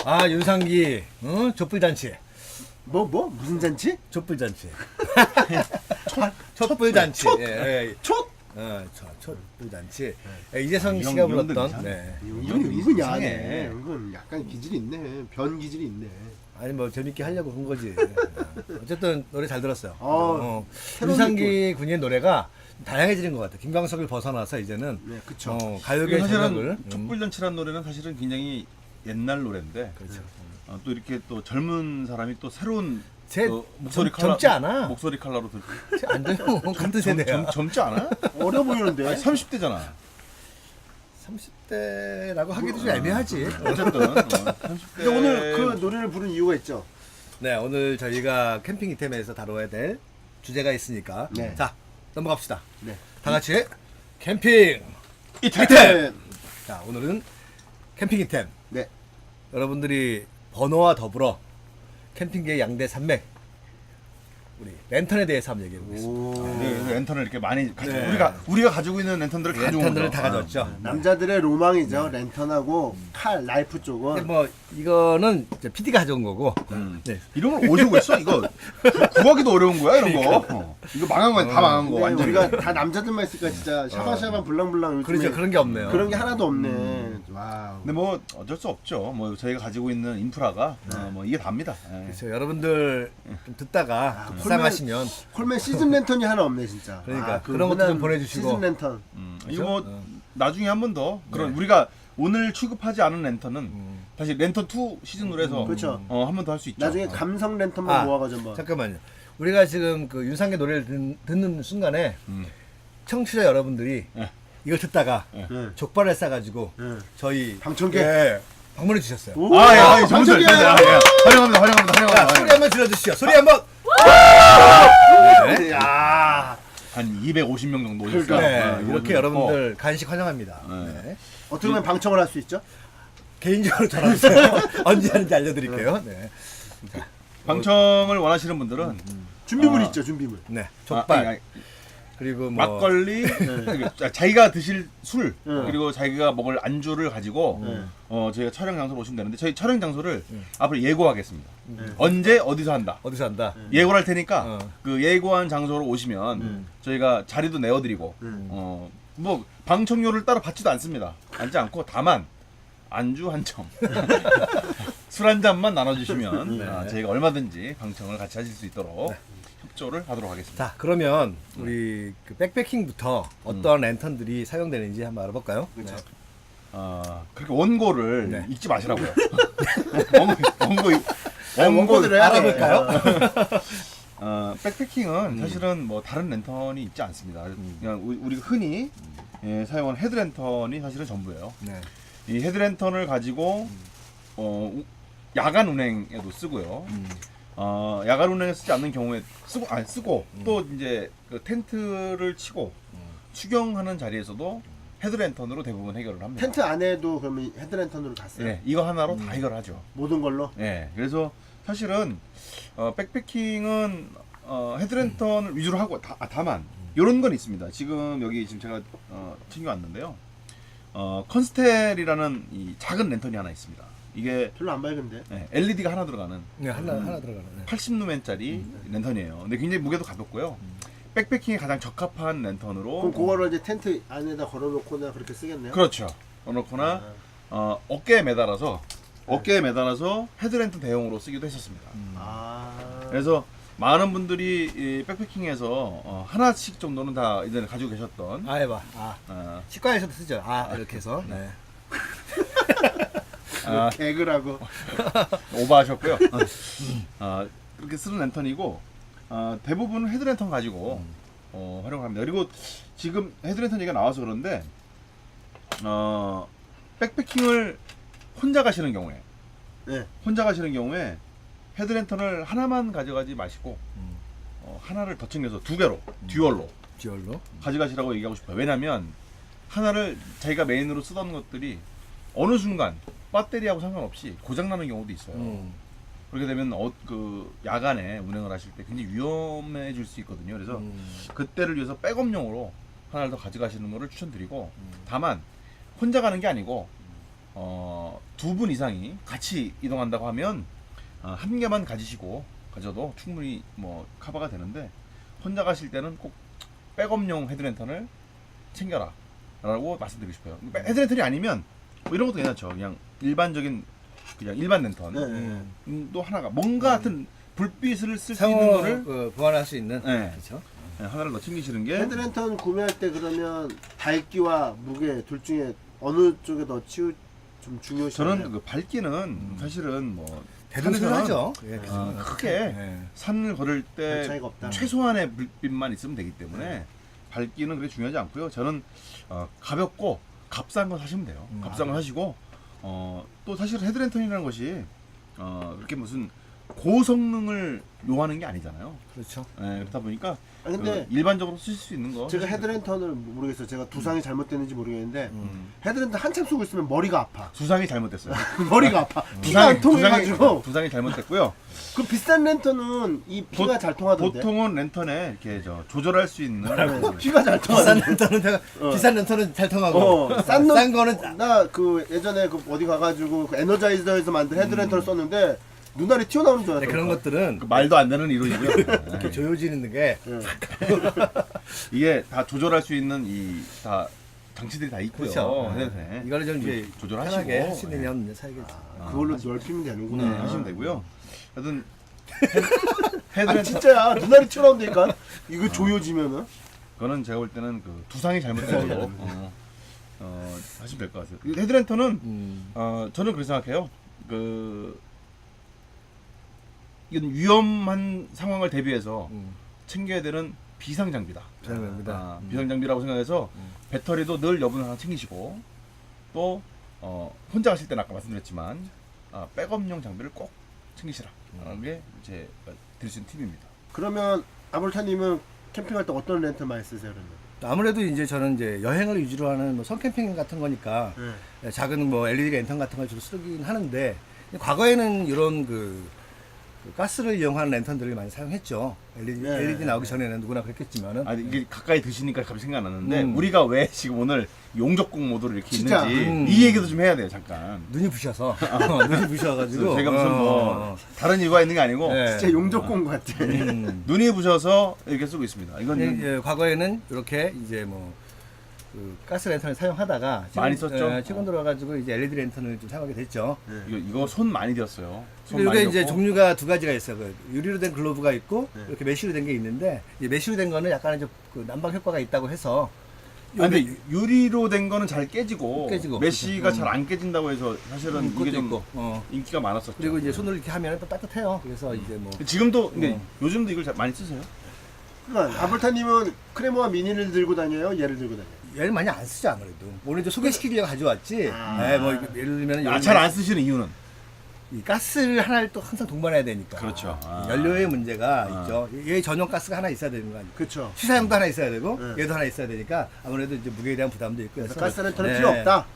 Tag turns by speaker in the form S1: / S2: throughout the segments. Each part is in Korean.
S1: 아 윤상기 촛불잔치.
S2: 무슨 잔치?
S1: 촛불잔치. 촛불잔치.
S2: 촛?
S1: 예.
S2: 촛?
S1: 촛불잔치. 이재성 씨가 불렀던. 네.
S2: 이건 은근 야하네. 이건 약간 기질이 있네. 변 기질이 있네.
S1: 아니 뭐 재밌게 하려고 한 거지. 어쨌든 노래 잘 들었어요.
S2: 새로운
S1: 윤상기 군의 노래가 다양해지는 것 같아. 김광석을 벗어나서 이제는
S2: 네, 그쵸.
S1: 가요계
S3: 사실은
S1: 전역을
S3: 촛불잔치라는 노래는 사실은 굉장히 옛날 노래인데
S1: 그렇죠.
S3: 또 이렇게 또 젊은 사람이 또 새로운
S1: 제
S3: 목소리
S1: 젊지 않아.
S3: 목소리 컬러로 들
S1: 안 돼요. 같은 세대야.
S3: 젊지 않아?
S2: 어려 보이는데.
S3: 아니, 30대잖아.
S1: 30대라고 하기도 좀 애매하지.
S3: 어쨌든 30대.
S2: 근데 오늘 그 노래를 부른 이유가 있죠.
S1: 네, 오늘 저희가 캠핑 이템에서 다뤄야 될 주제가 있으니까.
S2: 네.
S1: 자, 넘어갑시다.
S2: 네.
S1: 다 같이 캠핑
S3: 이템.
S1: 자, 오늘은 캠핑 이템.
S2: 네.
S1: 여러분들이 번호와 더불어 캠핑계의 양대 산맥 우리 랜턴에 대해서 한번 얘기해 보겠습니다.
S3: 네, 랜턴을 이렇게 많이
S1: 네.
S3: 우리가 가지고 있는 랜턴들을 가지고
S1: 랜턴들을 다 가져왔죠.
S2: 남자들의 로망이죠. 랜턴하고 칼, 라이프 쪽은.
S1: 근데 뭐 이거는 PD가 가져온 거고. 네.
S3: 이런 걸 어디서 구했어? 이거 구하기도 어려운 거야 이런 거. 이거 망한 거야. 다 망한 거.
S2: 근데
S3: 완전.
S2: 우리가 다 남자들만 있으니까 진짜 샤방샤방 블랑블랑 요즘에
S1: 그렇죠. 그런 게 없네요.
S2: 그런 게 하나도 없네. 와우.
S3: 근데 뭐 어쩔 수 없죠. 뭐 저희가 가지고 있는 인프라가 뭐 이게 답니다. 예.
S1: 그렇죠. 여러분들 좀 듣다가 불쌍하시면
S2: 콜맨 시즌 랜턴이 하나 없네 진짜.
S1: 그러니까
S2: 그
S1: 그런 것도 좀
S2: 흔한
S1: 보내주시고.
S2: 시즌 랜턴.
S3: 이거 뭐 나중에 한 번 더 그런
S1: 네.
S3: 우리가 오늘 취급하지 않은 랜턴은 다시 랜턴 2 시즌으로 해서
S2: 그렇죠.
S3: 한 번 더 할 수 있죠.
S2: 나중에 감성 랜턴만 모아가지고 뭐.
S1: 잠깐만요. 우리가 지금 그 윤상의 노래를 듣는 순간에 청취자 여러분들이
S3: 네.
S1: 이걸 듣다가
S2: 네.
S1: 족발을 싸가지고
S2: 네.
S1: 저희
S2: 방청객.
S1: 방문해 주셨어요.
S2: 오,
S3: 아, 정말
S2: 방청객이야.
S3: 환영합니다.
S1: 자, 소리 한번 질러주시죠. 소리 한번. 네.
S2: 야.
S3: 한 250명 정도
S2: 그러니까.
S3: 오셨어요.
S1: 네, 이렇게 여러분들 간식 환영합니다.
S3: 네.
S1: 네.
S2: 어떻게 보면 방청을 할 수 있죠?
S1: 개인적으로 전화 주세요. 언제 하는지 알려드릴게요. 네.
S3: 방청을 원하시는 분들은
S2: 준비물
S3: 아.
S2: 있죠, 준비물.
S1: 네. 족발.
S3: 아니,
S1: 그리고 뭐
S3: 막걸리, 자기가 드실 술
S2: 네.
S3: 그리고 자기가 먹을 안주를 가지고 저희가 촬영 장소로 오시면 되는데 저희 촬영 장소를 앞으로 예고하겠습니다. 언제 어디서 한다.
S1: 어디서 한다.
S3: 예고를 할 테니까 그 예고한 장소로 오시면 저희가 자리도 내어드리고 뭐 방청료를 따로 받지도 않습니다. 앉지 않고 다만 안주 한 점, 술 한 잔만 나눠주시면 저희가 얼마든지 방청을 같이 하실 수 있도록 협조를 하도록 하겠습니다.
S1: 자, 그러면 우리 그 백패킹부터 어떤 랜턴들이 사용되는지 한번 알아볼까요?
S2: 그렇죠.
S3: 그렇게 원고를
S1: 네.
S3: 읽지 마시라고요.
S2: 원고들을 해야 돼.
S1: 알아볼까요?
S3: 백패킹은 사실은 뭐 다른 랜턴이 있지 않습니다. 그냥 우리가 흔히 사용하는 헤드랜턴이 사실은 전부예요.
S1: 네.
S3: 이 헤드랜턴을 가지고 야간 운행에도 쓰고요. 야간 운행에 쓰지 않는 경우에 쓰고 또 이제 그 텐트를 치고 수경하는 자리에서도 헤드랜턴으로 대부분 해결을 합니다.
S2: 텐트 안에도 그러면 헤드랜턴으로 갔어요.
S3: 네, 이거 하나로 다 해결하죠.
S2: 모든 걸로.
S3: 네, 그래서 사실은 백패킹은 헤드랜턴을 위주로 하고 다만 이런 건 있습니다. 지금 여기 지금 제가 챙겨왔는데요. 컨스텔이라는 이 작은 랜턴이 하나 있습니다. 이게
S2: 별로 안 밝은데.
S3: LED가 하나 들어가는
S1: 네, 하나 들어가는. 네.
S3: 80루멘짜리 랜턴이에요. 근데 굉장히 무게도 가볍고요. 백패킹에 가장 적합한 랜턴으로.
S2: 그럼 그거를 이제 텐트 안에다 걸어놓거나 그렇게 쓰겠네요.
S3: 그렇죠. 넣거나 어깨에 매달아서 헤드랜턴 대용으로 쓰기도 했었습니다. 그래서 많은 분들이 이 백패킹에서 하나씩 정도는 다 이제 가지고 계셨던.
S1: 해봐. 치과에서도 쓰죠. 이렇게 해서. 네.
S2: 개그라고.
S3: 오버하셨고요. 그렇게 쓰는 랜턴이고 대부분 헤드랜턴 가지고 활용을 합니다. 그리고 지금 헤드랜턴 얘기가 나와서 그런데 백패킹을 혼자 가시는 경우에 헤드랜턴을 하나만 가져가지 마시고 하나를 더 챙겨서 두 개로 듀얼로 가져가시라고 얘기하고 싶어요. 왜냐면 하나를 자기가 메인으로 쓰던 것들이 어느 순간 배터리하고 상관없이 고장나는 경우도 있어요. 그렇게 되면 그 야간에 운행을 하실 때 굉장히 위험해질 수 있거든요. 그래서 그때를 위해서 백업용으로 하나를 더 가져가시는 것을 추천드리고 다만 혼자 가는 게 아니고 두 분 이상이 같이 이동한다고 하면 한 개만 가져도 충분히 뭐 커버가 되는데 혼자 가실 때는 꼭 백업용 헤드랜턴을 챙겨라 라고 말씀드리고 싶어요. 헤드랜턴이 아니면 뭐 이런 것도 괜찮죠. 그냥 일반적인 그냥 일반 랜턴
S2: 네.
S3: 또 하나가 뭔가 같은 불빛을 쓸 수 있는 거를
S1: 보완할 수 있는
S3: 네.
S1: 그렇죠.
S3: 네, 하나를 더 챙기시는 게
S2: 헤드랜턴 구매할 때 그러면 밝기와 무게 둘 중에 어느 쪽에 더 좀 중요시나요?
S3: 저는 그 밝기는 사실은 뭐
S1: 대등하죠. 예,
S3: 크게
S1: 예.
S3: 산을 걸을
S2: 별
S3: 때
S2: 차이가 없다.
S3: 최소한의 불빛만 있으면 되기 때문에 밝기는 그렇게 중요하지 않고요. 저는 가볍고 값싼 거 사시면 돼요. 값싼 거 사시고 또 사실 헤드랜턴이라는 것이 그렇게 무슨 고성능을 요하는 게 아니잖아요.
S1: 그렇죠.
S3: 예, 그렇다 보니까
S2: 아니, 근데
S3: 일반적으로 쓰실 수 있는 거
S2: 제가
S3: 사시면
S2: 헤드랜턴을 모르겠어요. 제가 두상이 잘못됐는지 모르겠는데
S3: 돼요.
S2: 헤드랜턴 한참 쓰고 있으면 머리가 아파.
S3: 두상이 잘못됐어요.
S2: 머리가 아파. 피가 안 통해가지고.
S3: 두상이 잘못됐고요.
S2: 그 비싼 랜턴은 이 피가 잘 통하던데.
S3: 보통은 랜턴에 이렇게 조절할 수 있는
S2: 피가 잘
S1: 비싼
S2: 통하던데.
S1: 렌터는 비싼 렌터는 잘 통하고
S2: 싼
S1: 거는
S2: 나 그 예전에 그 어디 가가지고 그 에너자이저에서 만든 헤드랜턴을 썼는데 눈알이 튀어나오는 줄
S1: 네,
S2: 알았어.
S1: 그런 것들은
S3: 그 말도 안 되는 이론이고요.
S1: 이렇게 조여지는 게
S3: 이게 다 조절할 수 있는 다 장치들이 다 있고요.
S1: 그렇죠.
S3: 네.
S1: 이거를 좀 이제
S3: 조절하시고
S1: 편하게 할 수 있는 면 사야겠죠.
S2: 그걸로 넓히면 되는구나.
S3: 네, 하시면 되고요. 하여튼
S2: 아
S3: 헤드랜턴
S2: 진짜야 눈알이 튀어나온다니까. 이거 조여지면은.
S3: 그거는 제가 볼 때는 그 두상이 잘못된 걸로 하시면 될 것 같아요. 이 헤드랜턴은 저는 그렇게 생각해요. 이건 위험한 상황을 대비해서 챙겨야 되는 비상 장비다.
S1: 비상장비다.
S3: 비상 장비라고 생각해서 배터리도 늘 여분 하나 챙기시고 또 혼자 가실 때는 아까 말씀드렸지만 백업용 장비를 꼭 챙기시라. 라는 게 제 드릴 수 있는 팁입니다.
S2: 그러면 아볼타님은 캠핑할 때 어떤 랜턴 많이 쓰세요 그러면?
S1: 아무래도 이제 저는 이제 여행을 위주로 하는 뭐 선캠핑 같은 거니까 작은 뭐 LED 랜턴 같은 걸 주로 쓰긴 하는데 과거에는 이런 그 가스를 이용하는 랜턴들을 많이 사용했죠. LED 나오기 전에는 누구나 그랬겠지만은
S3: 이게 가까이 드시니까 갑자기 생각났는데 우리가 왜 지금 오늘 용접국 모드로 이렇게
S2: 진짜,
S3: 있는지 이 얘기도 좀 해야 돼요. 잠깐.
S1: 눈이 부셔서 눈이 부셔가지고
S3: 제가 무슨 뭐 다른 이유가 있는 게 아니고
S1: 네.
S2: 진짜 용접공 같아.
S3: 눈이 부셔서 이렇게 쓰고 있습니다. 이건
S1: 과거에는 이렇게 이제 뭐 그 가스 랜턴을 사용하다가
S3: 많이 썼죠.
S1: 최근 들어가지고 이제 LED 랜턴을 좀 사용하게 됐죠.
S3: 이거 손 많이 들었어요. 손
S1: 이게
S3: 많이
S1: 이제
S3: 들었고.
S1: 종류가 두 가지가 있어요. 그 유리로 된 글로브가 있고
S2: 네.
S1: 이렇게 메쉬로 된 게 있는데 이 메쉬로 된 거는 약간 이제 그 난방 효과가 있다고 해서
S3: 근데 유리로 된 거는 잘 깨지고,
S1: 깨지고.
S3: 메쉬가 잘 안 깨진다고 해서 사실은 이게
S1: 그것도
S3: 좀
S1: 있고
S3: 인기가 많았었죠.
S1: 그리고 이제 손을 이렇게 하면 또 따뜻해요. 그래서 이제 뭐
S3: 지금도 근데 요즘도 이걸 많이 쓰세요?
S2: 그러니까 아볼타님은 크레모와 미니를 들고 다녀요? 얘를 들고 다녀요?
S1: 얘를 많이 안 쓰죠 아무래도. 오늘 이제 소개시키려고 가져왔지. 뭐 예를 들면
S3: 잘 안 쓰시는 이유는?
S1: 이 가스를 하나를 또 항상 동반해야 되니까.
S3: 그렇죠.
S1: 연료의 문제가 있죠. 얘 전용 가스가 하나 있어야 되는 거 아니에요.
S2: 그렇죠.
S1: 시사용도 하나 있어야 되고
S2: 네.
S1: 얘도 하나 있어야 되니까 아무래도 이제 무게에 대한 부담도 있고 해서
S2: 가스 랜턴은
S1: 네.
S2: 필요 없다.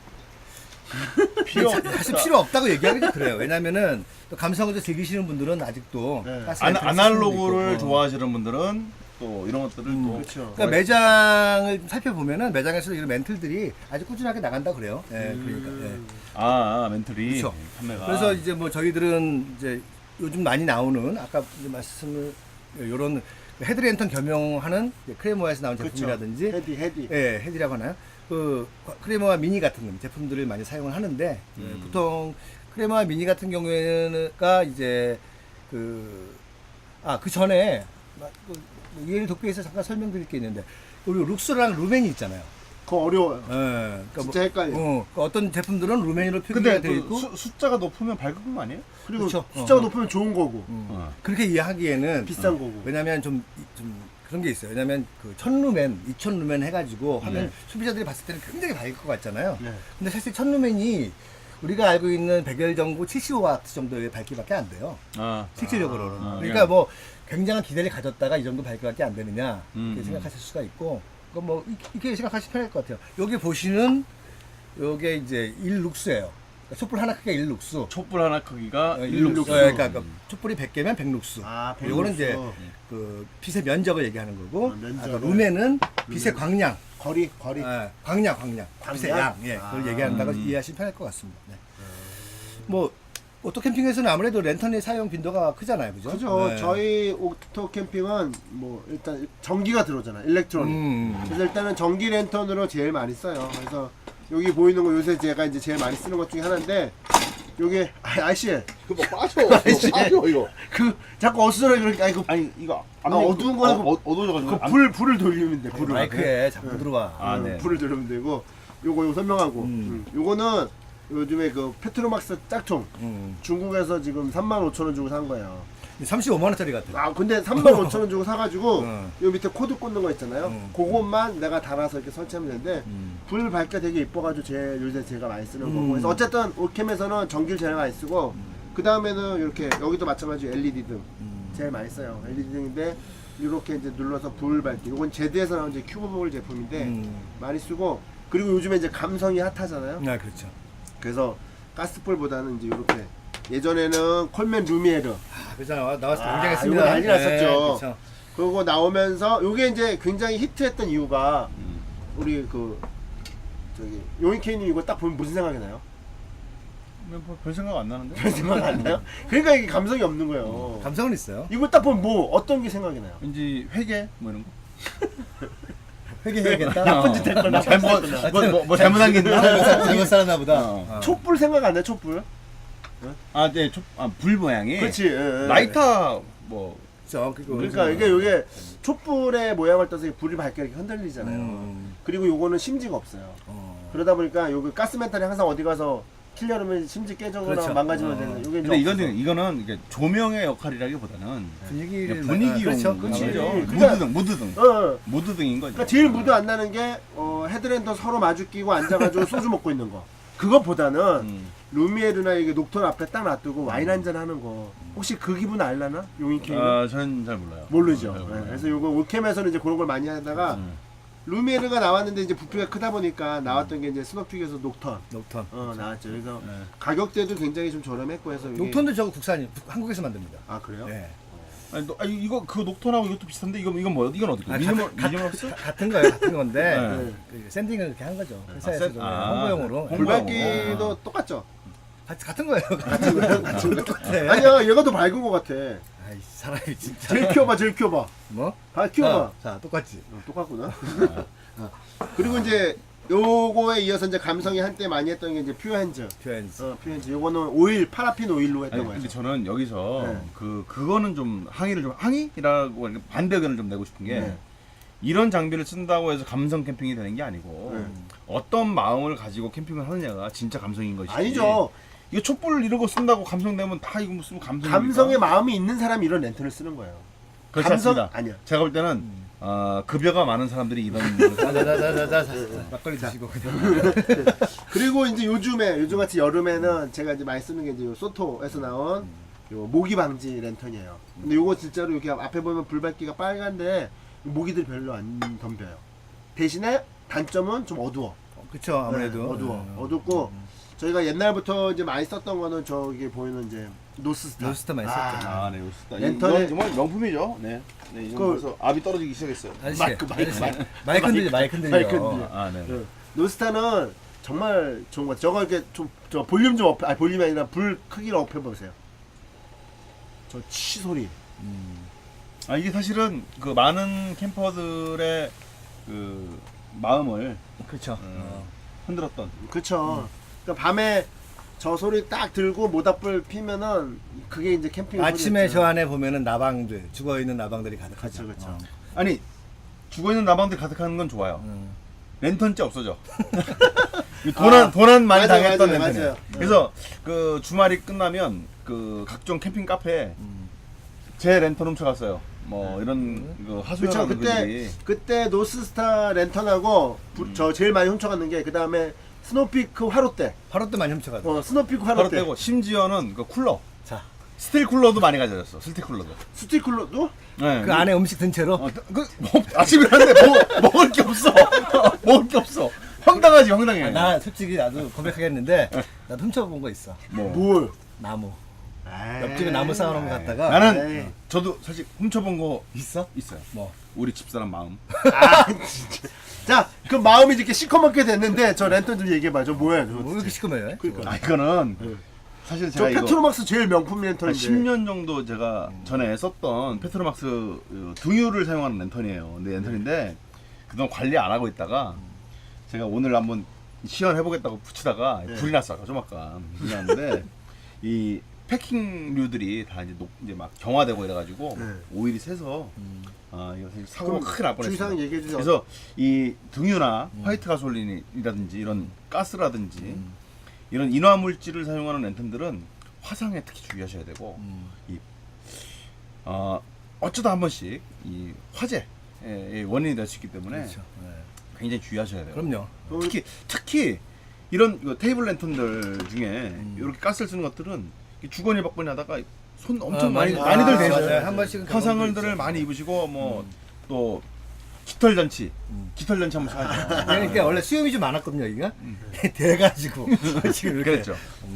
S1: 사실 필요 없다고 얘기하기 좀 그래요. 왜냐면은 또 감성을 즐기시는 분들은 아직도
S2: 네.
S1: 가스 랜턴을 쓰시는
S3: 아날로그를
S1: 분도 있고.
S3: 좋아하시는 분들은 또 이런 것들을 또
S2: 그렇죠.
S1: 그러니까 매장을 살펴보면은 매장에서 이런 멘틀들이 아주 꾸준하게 나간다 그래요. 예, 그러니까. 예.
S3: 멘틀이
S1: 그렇죠.
S3: 판매가
S1: 그래서 이제 뭐 저희들은 이제 요즘 많이 나오는 아까 이제 말씀을 이런 헤드랜턴 겸용하는 크레모아에서 나온
S2: 그렇죠.
S1: 제품이라든지
S2: 헤디.
S1: 예, 헤드라고 하나요? 그 크레모아 미니 같은 제품들을 많이 사용을 하는데 보통 크레모아 미니 같은 경우에는가 이제 그 전에 이해를 돕기 위해서 잠깐 설명드릴 게 있는데 우리 룩스랑 루멘이 있잖아요.
S2: 그거 어려워요.
S1: 예, 그러니까
S2: 진짜 헷갈려.
S1: 그러니까 어떤 제품들은 루멘으로 표기가
S3: 근데
S1: 되어
S3: 그
S1: 있고
S3: 숫자가 높으면 밝은 거 아니에요?
S2: 그리고
S1: 그렇죠.
S2: 숫자가 높으면 좋은 거고
S1: 그렇게 이해하기에는
S2: 비싼 거고.
S1: 왜냐면 좀 그런 게 있어요. 왜냐면 그 1000루멘, 2000루멘 해가지고 하면
S3: 네.
S1: 소비자들이 봤을 때는 굉장히 밝을 것 같잖아요.
S2: 네.
S1: 근데 사실 1000루멘이 우리가 알고 있는 백열전구 75W 정도의 밝기밖에 안 돼요. 실질적으로는. 그러니까 뭐 굉장한 기대를 가졌다가 이 정도 밝기밖에 안 되느냐 이렇게 생각하실 수가 있고, 그건 뭐 이렇게 생각하시면 편할 것 같아요. 여기 보시는 요게 이제 1룩스예요. 촛불 하나 크기가 1룩수.
S3: 촛불 하나 크기가
S2: 일룩수.
S3: 1룩수.
S1: 그러니까 그 촛불이 100개면 100룩수.
S2: 아,
S1: 요거는 이제
S2: 100룩수.
S1: 그 빛의 면적을 얘기하는 거고,
S2: 면적을.
S1: 아까 룸에는 빛의 광량,
S2: 거리.
S1: 광량. 빛의 양,
S2: 광량?
S1: 예, 그걸
S2: 아.
S1: 얘기한다고 이해하시면 편할 것 같습니다. 네. 뭐 오토 캠핑에서는 아무래도 랜턴의 사용 빈도가 크잖아요, 그죠?
S2: 그죠.
S1: 네.
S2: 저희 오토 캠핑은 뭐 일단 전기가 들어오잖아. 일렉트로닉. 그래서 일단은 전기 랜턴으로 제일 많이 써요. 그래서 여기 보이는 거 요새 제가 이제 제일 많이 쓰는 것 중에 하나인데 요게 아저씨
S3: 그거 빠져. 빠져 이거.
S2: 그 자꾸 어수선하게 그렇게 아니 그
S3: 아니 이거
S2: 어두운 거는
S3: 어두워져가지고.
S2: 불을 돌리면 돼. 불을.
S1: 마이크에 자꾸 들어와.
S3: 아, 네.
S2: 불을 돌리면 되고 요거 설명하고 요거는 요즘에 그 페트로막스 짝퉁 중국에서 지금 35,000원 주고 산 거예요.
S1: 35만 원짜리 같아.
S2: 아 근데 35,000원 주고 사가지고
S1: 응.
S2: 요 밑에 코드 꽂는 거 있잖아요. 그것만 내가 달아서 이렇게 설치하면 되는데 불 밝기가 되게 이뻐가지고 요새 제가 많이 쓰는 거고. 그래서 어쨌든 올캠에서는 전기를 제일 많이 쓰고 그 다음에는 이렇게 여기도 마찬가지로 LED 등 제일 많이 써요. LED 등인데 이렇게 이제 눌러서 불 밝기. 이건 제드에서 나온 이제 큐브볼 제품인데 많이 쓰고 그리고 요즘에 이제 감성이 핫하잖아요.
S1: 네, 그렇죠.
S2: 그래서 가스불보다는 이제 이렇게 예전에는 콜맨 루미에르
S1: 그잖아. 나왔을 때
S2: 아,
S1: 굉장했습니다.
S2: 이거 난리 났었죠.
S1: 그렇죠.
S2: 그거 나오면서 요게 이제 굉장히 히트했던 이유가 우리 그 저기 요인케이님 이거 딱 보면 무슨 생각이 나요?
S3: 별 생각 안 나는데.
S2: 별 생각 안 나요? 그러니까 이게 감성이 없는 거예요.
S1: 감성은 있어요.
S2: 이거 딱 보면 뭐 어떤 게 생각이 나요?
S3: 왠지 회계 뭐 이런 거.
S1: 회개해야겠다.
S2: 나쁜 짓 했거나 나쁜 짓
S3: 잘못
S2: 했거나.
S3: 뭐 잘못한 게 있나?
S1: 잘못 살았나 보다.
S3: 어.
S2: 촛불 생각 안 나요? 촛불?
S3: 아, 네, 불 모양이.
S2: 그렇지. 예, 예.
S3: 라이터 뭐.
S1: 그렇죠.
S2: 그러니까 이게 요게 촛불의 모양을 떠서 불이 밝게 이렇게 흔들리잖아요. 그리고 요거는 심지가 없어요. 그러다 보니까 요게 가스멘탈이 항상 어디 가서 킬려면 심지 깨져거나
S1: 그렇죠.
S2: 망가지면 되는 요게
S3: 근데
S2: 이제 없어서.
S3: 이거는 이게 조명의 역할이라기보다는
S1: 분위기를
S3: 분위기용.
S1: 그렇죠.
S2: 그치.
S1: 아무래도.
S3: 무드등.
S2: 어.
S3: 무드등인 거죠.
S2: 그러니까 제일 무드 안 나는 게 헤드랜턴 서로 마주 끼고 앉아가지고 소주 먹고 있는 거. 그것보다는 루미에르나 이게 녹턴 앞에 딱 놔두고 와인 한잔 하는 거. 혹시 그 기분 알라나? 용인케이는?
S3: 아, 저는 잘 몰라요.
S2: 모르죠.
S3: 잘 몰라요.
S2: 네, 그래서 요거 올캠에서는 이제 그런 걸 많이 하다가 루미에르가 나왔는데 이제 부피가 크다 보니까 나왔던 게 이제 스노픽에서 녹턴
S1: 녹턴.
S2: 나왔죠. 그래서
S3: 네.
S2: 가격대도 굉장히 좀 저렴했고 해서 이게-
S1: 녹턴도 저거 국산이 한국에서 만듭니다.
S2: 아 그래요?
S1: 네.
S3: 아니, 이거 그 녹턴하고 이것도 비슷한데 이건 뭐야? 이건 어디?
S1: 아,
S3: 미니멀스?
S1: 같은 거예요. 같은 건데
S3: 네.
S1: 그 샌딩을 이렇게 한 거죠. 회사에서
S3: 샌-
S1: 좀
S3: 아,
S1: 홍보용으로.
S2: 불밝기도 똑같죠?
S1: 같은 거예요. 같은 거예요. 똑같아.
S2: 아니야 얘가 더 밝은 것 같아.
S1: 아이 사람이 진짜.
S2: 제일 키워봐 제일 키워봐.
S1: 뭐?
S2: 다 키워봐.
S1: 자 똑같지.
S2: 똑같구나. 그리고 이제 요거에 이어서 이제 감성이 한때 많이 했던 게 이제 퓨어핸즈.
S1: 퓨엔스.
S2: 퓨어핸즈. 요거는 오일, 파라핀 오일로 했던
S3: 아니,
S2: 거예요.
S3: 근데 저는 여기서
S2: 네.
S3: 그거는 좀 항의라고 이렇게 반대 의견을 좀 내고 싶은 게
S2: 네.
S3: 이런 장비를 쓴다고 해서 감성 캠핑이 되는 게 아니고
S2: 네.
S3: 어떤 마음을 가지고 캠핑을 하느냐가 진짜 감성인 것이지.
S2: 아니죠.
S3: 이거 촛불 이런 거 쓴다고 감성되면 다 이거 무슨 감성.
S2: 감성의 마음이 있는 사람이 이런 렌트를 쓰는 거예요.
S3: 그렇지
S2: 감성
S3: 않습니다.
S2: 아니야.
S3: 제가 볼 때는 급여가 많은 사람들이 이런
S1: 자자자자자 막걸리 드시고 그냥.
S2: 그리고 이제 요즘같이 여름에는 제가 이제 많이 쓰는 게 이제 요 소토에서 나온 요 모기 방지 랜턴이에요. 근데 요거 진짜로 이렇게 앞에 보면 불밝기가 빨간데 모기들이 별로 안 덤벼요. 대신에 단점은 좀 어두워.
S1: 그렇죠. 아무래도
S2: 네, 어둡고 저희가 옛날부터 이제 많이 썼던 거는 저기 보이는 이제 노스스타.
S1: 노스스타 많이 썼죠.
S3: 아, 네, 요스다.
S2: 렌터에-
S3: 이건 정말 명품이죠. 네. 네, 이건
S2: 그-
S3: 벌써 압이 떨어지기 시작했어요.
S1: 아저씨,
S2: 마이크.
S1: 마이크 흔들려, 마이크 흔들려.
S2: 마이크 흔들려.
S3: 아, 네.
S2: 네. 노스타는 정말 좋은 것 같아요. 저거 이렇게 저 볼륨 좀 업, 볼륨이 아니라 불 크기를 업해 보세요. 저 치 소리.
S3: 아, 이게 사실은 그 많은 캠퍼들의 그 마음을
S1: 그렇죠.
S3: 흔들었던.
S2: 그쵸. 그러니까 밤에 저 소리 딱 들고 모닥불 피면은 그게 이제 캠핑
S1: 아침에
S2: 소리였죠.
S1: 저 안에 보면은 나방들, 죽어 있는 나방들이 가득하죠.
S2: 그쵸, 그쵸.
S3: 아니, 죽어있는 나방들 가득하는 건 좋아요. 랜턴째 없어져. 도난 많이
S2: 맞아요,
S3: 당했던
S2: 맞아요,
S3: 랜턴이에요.
S2: 맞아요.
S3: 그래서 그 주말이 끝나면 그 각종 캠핑 카페에 제 랜턴 훔쳐갔어요. 뭐 이런 그
S2: 그쵸.
S3: 하소연하는 분들이.
S2: 그때 노스스타 랜턴하고 저 제일 많이 훔쳐갔는 게 그 다음에 스노피크 화롯대.
S1: 바로 또 많이 훔쳐가죠.
S2: 스노피크
S3: 바로
S2: 화롯대.
S3: 떼고 심지어는 그 쿨러.
S1: 자,
S3: 스틸 쿨러도 많이 가져졌어. 스틸 쿨러도.
S2: 스티클로도?
S3: 네.
S1: 그 안에 음식 든 채로.
S3: 아침이라는데 먹을 게 없어. 먹을 게 없어. 황당하지 황당해.
S1: 아, 나 솔직히 나도 고백하겠는데 나도 훔쳐본 거 있어.
S3: 뭐.
S2: 뭘?
S1: 나무.
S2: 에이.
S1: 옆집에 나무 쌓아놓은 거 갖다가
S3: 나는
S2: 에이.
S3: 저도 사실 훔쳐본 거
S1: 있어?
S3: 있어요.
S1: 뭐?
S3: 우리 집사람 마음.
S2: 아 진짜. 자, 그 마음이 이렇게 시커멓게 됐는데 저 랜턴 좀 얘기해봐. 저 뭐야? 저,
S1: 뭐 이렇게 시커매요?
S2: 그러니까.
S3: 아 이거는
S2: 네.
S3: 사실
S2: 저
S3: 제가 이거
S2: 페트로막스 제일 명품
S3: 한
S2: 랜턴인데.
S3: 10년 정도 제가 전에 썼던 페트로막스 등유를 사용하는 랜턴이에요. 근데 랜턴인데 그동안 관리 안 하고 있다가 제가 오늘 한번 시연해보겠다고 붙이다가
S2: 네.
S3: 불이 났어요. 좀 아까 불이 났는데 이 패킹류들이 다 이제 막 경화되고 이래가지고
S2: 네.
S3: 오일이 새서 이거 사실 사고가 크게 날 뻔했어요.
S2: 주의사항 얘기해 주세요.
S3: 그래서 이 등유나 화이트 가솔린이라든지 이런 가스라든지 이런 인화 물질을 사용하는 랜턴들은 화상에 특히 주의하셔야 되고 어쩌다 한 번씩 이 화재의 원인이 될 수 있기 때문에
S1: 그렇죠. 네.
S3: 굉장히 주의하셔야 돼요.
S1: 그럼요.
S3: 특히 이런 테이블 랜턴들 중에 이렇게 가스를 쓰는 것들은 주거니 받거니 하다가 손 엄청 많이들
S1: 맞아요.
S3: 대세요.
S1: 한 번씩은
S3: 화상들을 많이 입으시고 뭐 또 깃털 잔치 한번 하죠.
S1: 그러니까 원래 수염이 좀 많았거든요, 여기가. 돼가지고 지금 이렇게.
S3: 그랬죠.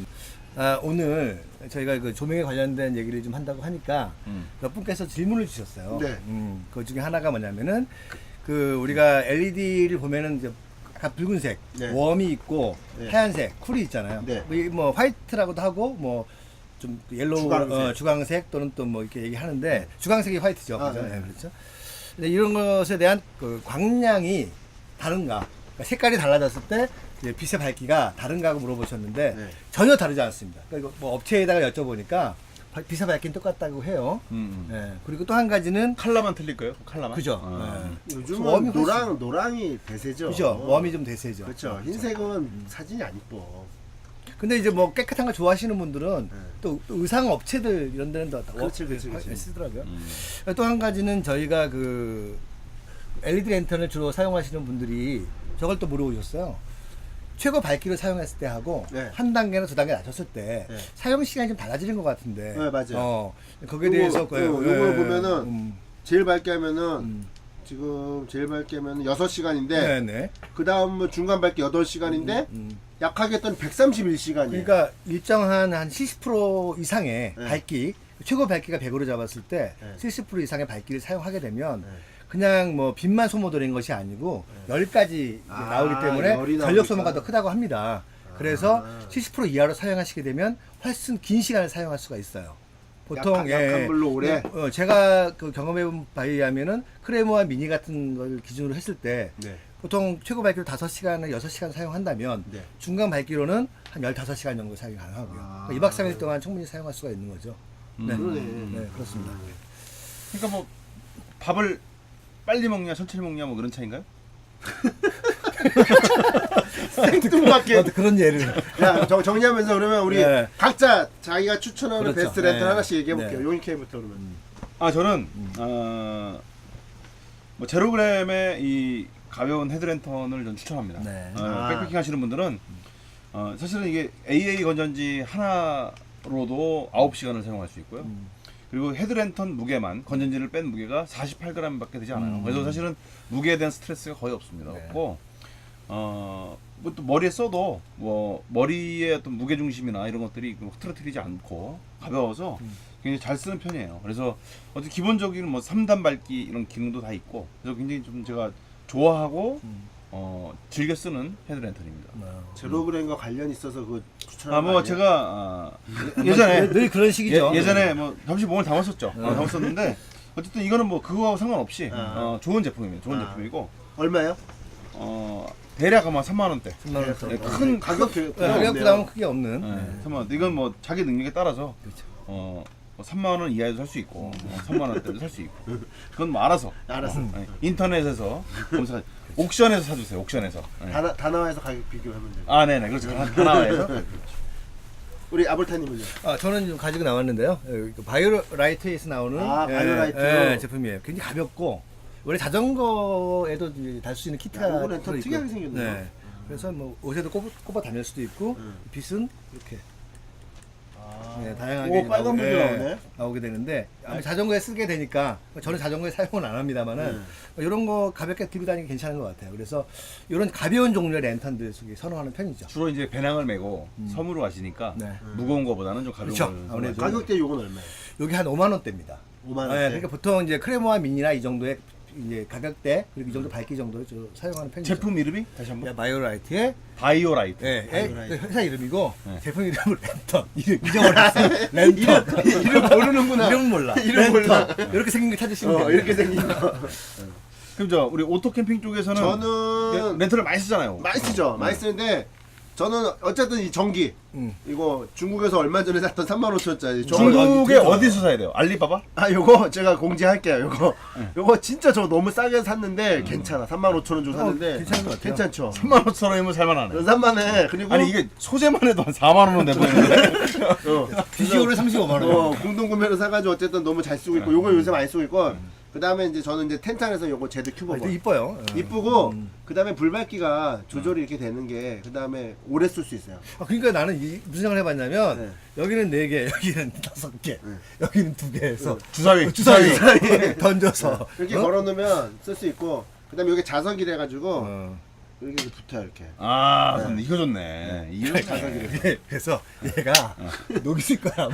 S1: 오늘 저희가 그 조명에 관련된 얘기를 좀 한다고 하니까 몇 분께서 질문을 주셨어요.
S2: 네.
S1: 그 중에 하나가 뭐냐면은 그 우리가 LED를 보면은 이제 약간 붉은색,
S2: 네.
S1: 웜이 있고
S2: 네.
S1: 하얀색, 쿨이 있잖아요.
S2: 네.
S1: 뭐 화이트라고도 하고 뭐 좀 옐로우,
S2: 주광색.
S1: 주광색 또는 또 뭐 이렇게 얘기하는데 주광색이 화이트죠.
S2: 아,
S1: 그죠?
S2: 네.
S1: 네, 그렇죠. 근데 이런 것에 대한 그 광량이 다른가? 그러니까 색깔이 달라졌을 때 이제 빛의 밝기가 다른가 하고 물어보셨는데
S2: 네.
S1: 전혀 다르지 않습니다. 그러니까 이거 뭐 업체에다가 여쭤보니까 빛의 밝기는 똑같다고 해요. 네. 그리고 또 한 가지는
S3: 칼라만 틀릴 거예요? 칼라만?
S1: 그죠.
S3: 아.
S1: 네.
S2: 요즘은
S1: 웜이
S2: 노랑이 대세죠.
S1: 그죠. 웜이 좀 대세죠.
S2: 그렇죠. 흰색은 사진이 안 이뻐.
S1: 근데 이제 뭐 깨끗한 거 좋아하시는 분들은
S2: 네.
S1: 또 의상 업체들 이런 데는 다
S2: 그렇지, 그렇지, 그렇지.
S1: 쓰더라고요. 또 한 가지는 저희가 그 LED 랜턴을 주로 사용하시는 분들이 저걸 또 물어보셨어요. 최고 밝기를 사용했을 때 하고
S2: 네.
S1: 한 단계나 두 단계 낮췄을 때
S2: 네.
S1: 사용 시간이 좀 달라지는 것 같은데.
S2: 네, 맞아요.
S1: 거기에 대해서
S2: 요걸 보면은 제일 밝게 하면은 지금 제일 밝게 하면 6시간인데
S1: 네네.
S2: 그 다음 뭐 중간 밝기 8시간인데 약하게 했던 131시간이에요.
S1: 그러니까 일정한 한 70% 이상의
S2: 네.
S1: 밝기, 최고 밝기가 100으로 잡았을 때
S2: 네.
S1: 70% 이상의 밝기를 사용하게 되면
S2: 네.
S1: 그냥 뭐 빛만 소모되는 것이 아니고 열까지
S2: 아,
S1: 나오기
S2: 열이
S1: 때문에
S2: 나오니까.
S1: 전력 소모가 더 크다고 합니다. 그래서 70% 이하로 사용하시게 되면 훨씬 긴 시간을 사용할 수가 있어요. 보통
S2: 약한 불로 오래?
S1: 제가 그 경험해본 바에 의하면은 크레모와 미니 같은 걸 기준으로 했을 때
S2: 네.
S1: 보통 최고 밝기로 5시간을 6시간 사용한다면
S2: 네.
S1: 중간 밝기로는 한 15시간 정도 사용이 가능하고요.
S2: 아.
S1: 그러니까 2박 3일 동안 충분히 사용할 수가 있는 거죠. 네.
S2: 그러네.
S1: 네, 그렇습니다.
S3: 그러니까 뭐 밥을 빨리 먹냐 천천히 먹냐 뭐 그런 차인가요?
S2: 생뚱맞게.
S1: 그런 예를.
S2: 야, 정리하면서 그러면 우리
S1: 네.
S2: 각자 자기가 추천하는
S1: 그렇죠.
S2: 베스트 랜턴
S1: 네.
S2: 하나씩 얘기해 볼게요.
S1: 네.
S2: 용익케이부터 그러면.
S3: 저는 뭐 제로그램의 이 가벼운 헤드랜턴을 전 추천합니다.
S1: 네.
S3: 백패킹 하시는 분들은 사실은 이게 AA 건전지 하나로도 9시간을 사용할 수 있고요. 그리고 헤드랜턴 무게만 건전지를 뺀 무게가 48g밖에 되지 않아요. 그래서 사실은 무게에 대한 스트레스가 거의 없습니다.
S1: 네.
S3: 없고 뭐 또 머리에 써도 뭐 머리의 어떤 무게 중심이나 이런 것들이 흐트러뜨리지 않고 가벼워서 굉장히 잘 쓰는 편이에요. 그래서 어떤 기본적인 뭐 3단 밝기 이런 기능도 다 있고 그래서 굉장히 좀 제가 좋아하고 즐겨 쓰는 헤드랜턴입니다.
S2: 제로그램과 관련 있어서 그 추천하는
S3: 뭐
S2: 거 아니야?
S3: 제가 예전에
S1: 늘 그런 식이죠.
S3: 예전에 뭐 잠시 몸을 담았었죠. 담았었는데 어쨌든 이거는 뭐 그거와 상관없이 좋은 제품입니다. 좋은 제품이고
S2: 얼마예요?
S3: 대략 아마 3만 원대.
S1: 3만 원.
S3: 네, 큰
S2: 가격
S1: 가격 부담은 크게 없는.
S3: 네, 3만 원대. 이건 뭐 자기 능력에 따라서
S1: 그렇죠.
S3: 뭐 3만 원 이하에도 살 수 있고 3만 원대도 살 수 있고 그건 뭐 알아서 인터넷에서 검사 옥션에서 사주세요. 옥션에서. 네.
S2: 다나와에서 가격 비교하면 돼요.
S3: 네네 그렇죠. 다나와에서.
S2: 우리 아볼타님은요?
S1: 저는 좀 가지고 나왔는데요. 바이오라이트에서 나오는
S2: 바이오라이트.
S1: 제품이에요. 굉장히 가볍고 원래 자전거에도 달 수 있는 키트가
S2: 이거는 더
S1: 들어있고.
S2: 특이하게 생겼네요.
S1: 네. 그래서 뭐 옷에도 꼽아 다닐 수도 있고 빛은 이렇게 네, 다양하게
S2: 오, 빨간 불이 나오네.
S1: 나오게 되는데 아마 자전거에 쓰게 되니까 저는 자전거에 사용은 안 합니다만은 이런 거 가볍게 들고 다니기 괜찮은 것 같아요. 그래서 이런 가벼운 종류의 랜턴들 속에 선호하는 편이죠.
S3: 주로 이제 배낭을 메고 섬으로 가시니까
S1: 네.
S3: 무거운 거보다는 좀 가벼운
S1: 그렇죠.
S3: 걸
S1: 아무래도
S3: 선호하죠.
S2: 가격대 요건 얼마예요?
S1: 여기 한 5만 원대입니다.
S2: 5만 원.
S1: 네, 그러니까 보통 이제 크레모와 미니나 이 정도의 이제 가격대 그리고 이 정도 밝기 정도를 사용하는 편이죠.
S3: 제품 이름이 다시 한번
S1: 바이오라이트의
S3: 바이오라이트.
S1: 회사 이름이고
S2: 네.
S1: 제품 이름은 랜턴. 이름 잊어버렸어요. 랜턴.
S2: 이름 모르는구나.
S1: 이름은 몰라.
S2: 이름 몰라.
S1: 이렇게 생긴 거 찾으시면 돼요.
S2: 이렇게 생긴 거.
S3: 그럼 저 우리 오토 캠핑 쪽에서는
S2: 저는
S3: 렌트를 많이 쓰잖아요.
S2: 많이 쓰죠. 많이 쓰는데 저는 어쨌든 이 전기 이거 중국에서 얼마 전에 샀던 35,000원짜리
S3: 중국에 어디서 사야 돼요? 알리바바?
S2: 요거 제가 공지할게요. 요거 진짜 저 너무 싸게 샀는데 괜찮아. 35,000원 주고 샀는데
S1: 괜찮은 것 같아요.
S2: 괜찮죠.
S3: 35,000원이면 살만하네.
S2: 3만에 그리고
S3: 아니 이게 소재만 해도 한 4만 원은 내보이는데.
S1: 비디오를 35만 원.
S2: 공동 구매로 사가지고 어쨌든 너무 잘 쓰고 있고 요거 요새 많이 쓰고 있고 그 다음에 이제 저는 이제 텐탄에서 요거 제드 큐버
S1: 되게 이뻐요.
S2: 이쁘고 그 다음에 불밝기가 조절이 이렇게 되는 게 그 다음에 오래 쓸 수 있어요.
S1: 그러니까 나는 무슨 생각을 해봤냐면
S2: 네.
S1: 여기는 4개, 여기는 5개, 여기는 2개에서
S3: 주사위.
S1: 주사위 던져서
S2: 이렇게 걸어놓으면 쓸 수 있고 그 다음에 여기 자석이라 해가지고 이렇게 붙어요 이렇게.
S3: 아, 근데 이거 좋네. 이거
S1: 예, 그래서 얘가 녹이실 거야.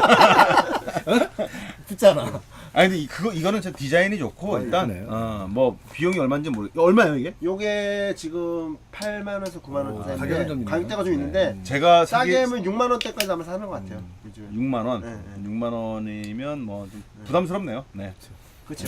S1: 붙잖아.
S3: 아니 근데 이거는 진짜 디자인이 좋고 일단
S1: 이쁘네요.
S3: 뭐 비용이 얼마인지 얼마예요 이게?
S2: 요게 지금 8만원에서 9만원
S1: 가격은 좀
S2: 사이인데
S1: 있네요.
S2: 가격대가 좀 있는데
S3: 제가
S2: 싸게 하면 6만원대까지 아마 사는 것 같아요. 요즘에.
S3: 6만 원.
S2: 네,
S3: 6만 원이면 뭐 좀 부담스럽네요. 네.
S2: 그렇죠.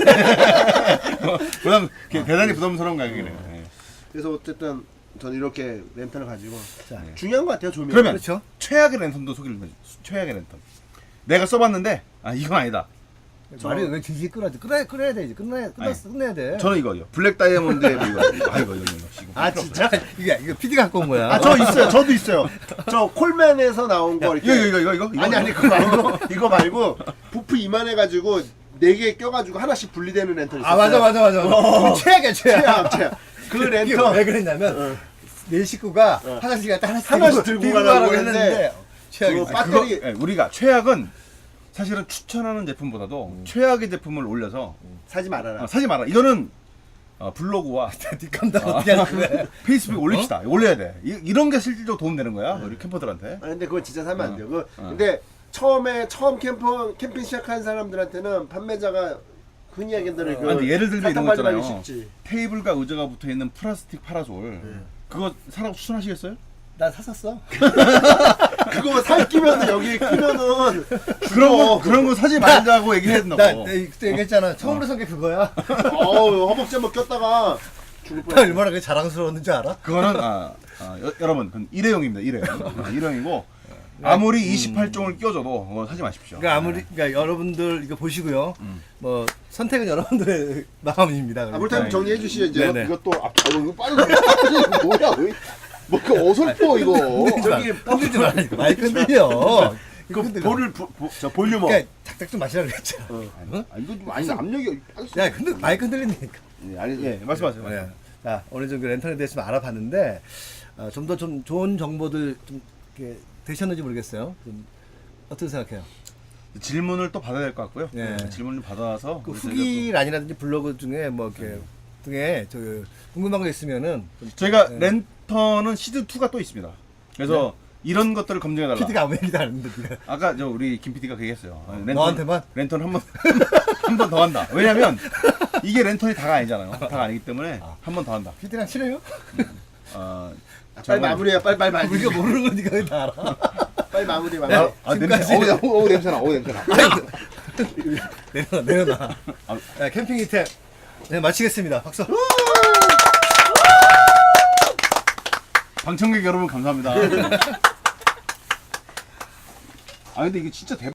S3: 대단히 부담스러운 가격이네요. 네.
S2: 그래서 어쨌든 저는 이렇게 랜턴을 가지고
S1: 자,
S2: 중요한 것 같아요. 조명.
S3: 그러면
S1: 그렇죠.
S3: 최악의 랜턴도 소개를 해줘. 최악의 랜턴. 내가 써봤는데 이건 아니다.
S1: 말이 왜 질질 끌어야지? 끌어야 되지. 끝내야 돼.
S3: 저는 이거요. 블랙 다이아몬드의 이거.
S2: 아 진짜?
S1: 이거 PD가 갖고 온 거야.
S2: 아 저 있어요. 저도 있어요. 저 콜맨에서 나온 거 이렇게.
S3: 이거.
S2: 아니 그거 말고 부프 이만해가지고 4개 껴가지고 하나씩 분리되는 랜턴 있어요.
S1: 맞아. 최악이야.
S2: 최악. 그
S1: 이게
S2: 랜턴
S1: 왜 그랬냐면 내 식구가 화장실 갔다
S2: 하나씩 들고 가라고 했는데
S1: 최악이지.
S2: 그거 배터리
S3: 우리가 최악은 사실은 추천하는 제품보다도 최악의 제품을 올려서
S2: 사지 말아라.
S3: 사지 마라. 이거는 블로그와
S1: 뒷감당 어떻게 하는 거야?
S3: 페이스북에 올립시다. 올려야 돼. 이런 게 실질적으로 도움 되는 거야. 우리 캠퍼들한테.
S2: 아, 근데 그거 진짜 사면 안 돼요. 근데 처음 캠핑 시작한 사람들한테는 판매자가 흔히 얘기하는
S3: 근데 예를 들면 이런 거 있잖아요.
S2: 쉽지.
S3: 테이블과 의자가 붙어 있는 플라스틱 파라솔. 그거 사라고 추천하시겠어요?
S1: 나 샀었어.
S2: 그거 살 끼면 여기 끼면은
S3: 그런 거 사지 말자고 얘기했나
S1: 나
S3: 봐.
S1: 그때 얘기했잖아. 처음으로 산 게 그거야.
S2: 허벅지 한번 꼈다가 죽을 뻔.
S1: 얼마나 그게 자랑스러웠는지 알아?
S3: 그거는 여러분 그건 일회용입니다. 일회용이고 아무리 28종을 끼워줘도 그거 사지 마십시오.
S1: 그러니까 여러분들 이거 보시고요. 뭐 선택은 여러분들의 마음입니다.
S2: 물타임 정리해 주시죠 이제.
S1: 네네.
S4: 이것도 이거 빠르다. 뭐야? 뭐그 어설퍼 이거.
S2: 저기
S1: 흔들지 말라니까. 마이크 흔들려.
S2: 그 볼륨업.
S1: 그러니까 작작 좀 마시라고 그랬잖아.
S4: 이거 좀 아니 압력이.
S1: 야, 근데 마이크 흔들린다니까.
S3: 말씀하세요.
S1: 자, 오늘 좀 그 랜턴에 대해서 좀 알아봤는데 좀 더 좀 좋은 정보들 좀 이렇게 되셨는지 모르겠어요. 좀 어떻게 생각해요?
S3: 질문을 또 받아야 될 것 같고요.
S1: 네.
S3: 질문을 받아서
S1: 그
S3: 우리
S1: 후기란이라든지 블로그 중에 뭐 이렇게 등에 궁금한 거 있으면은 좀
S3: 저희가 랜턴은 시즌 2가 또 있습니다. 그래서 이런 것들을 검증해 달라.
S1: PD가 아무 얘기도 안 했는데 네가.
S3: 아까 우리 김 PD가 얘기했어요.
S1: 너한테만?
S3: 랜턴 한 번 더 한다. 왜냐면 이게 랜턴이 다가 아니잖아요. 다가 아니기 때문에 한 번 더 한다.
S1: PD랑 친해요?
S2: 빨리 마무리해. 빨리 마무리.
S1: 우리가 모르는 거 네가 왜 다 알아?
S2: 빨리 마무리.
S3: 냄새.
S4: 어우 냄새나.
S1: 내려놔. 자, 캠핑 이템 마치겠습니다. 박수.
S3: 방청객 여러분 감사합니다. 근데 이게 진짜 대박.